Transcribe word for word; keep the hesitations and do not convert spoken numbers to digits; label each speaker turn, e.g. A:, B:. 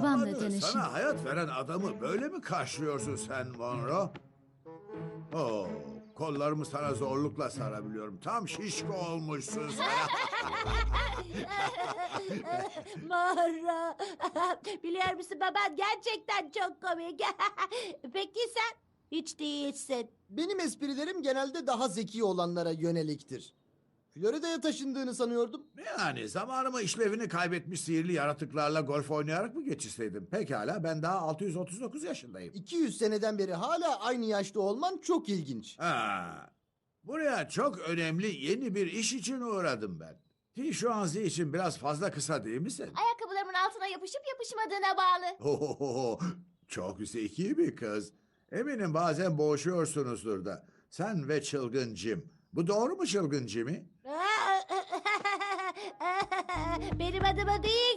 A: babamla
B: Babanı,
A: tanışın.
B: sana hayat veren adamı böyle mi karşılıyorsun sen Monroe? Oo, kollarımı sana zorlukla sarabiliyorum. Tam şişko olmuşsun sen.
C: Mara. Biliyor musun baban gerçekten çok komik. Peki sen? Hiç değilsin.
D: Benim esprilerim genelde daha zeki olanlara yöneliktir. Florida'ya taşındığını sanıyordum.
B: Yani zamanımı işlevini kaybetmiş sihirli yaratıklarla golf oynayarak mı geçirseydim? Pekala, ben daha altı yüz otuz dokuz yaşındayım.
D: iki yüz seneden beri hala aynı yaşta olman çok ilginç.
B: Ha, buraya çok önemli yeni bir iş için uğradım ben. Ki şu an zil için biraz fazla kısa değil misin?
E: Ayakkabılarımın altına yapışıp yapışmadığına bağlı.
B: Ohohoho, çok zeki bir kız. Eminim bazen boğuşuyorsunuzdur da. Sen ve çılgın Jim. Bu doğru mu çılgın Jimmy?
C: Benim adıma değil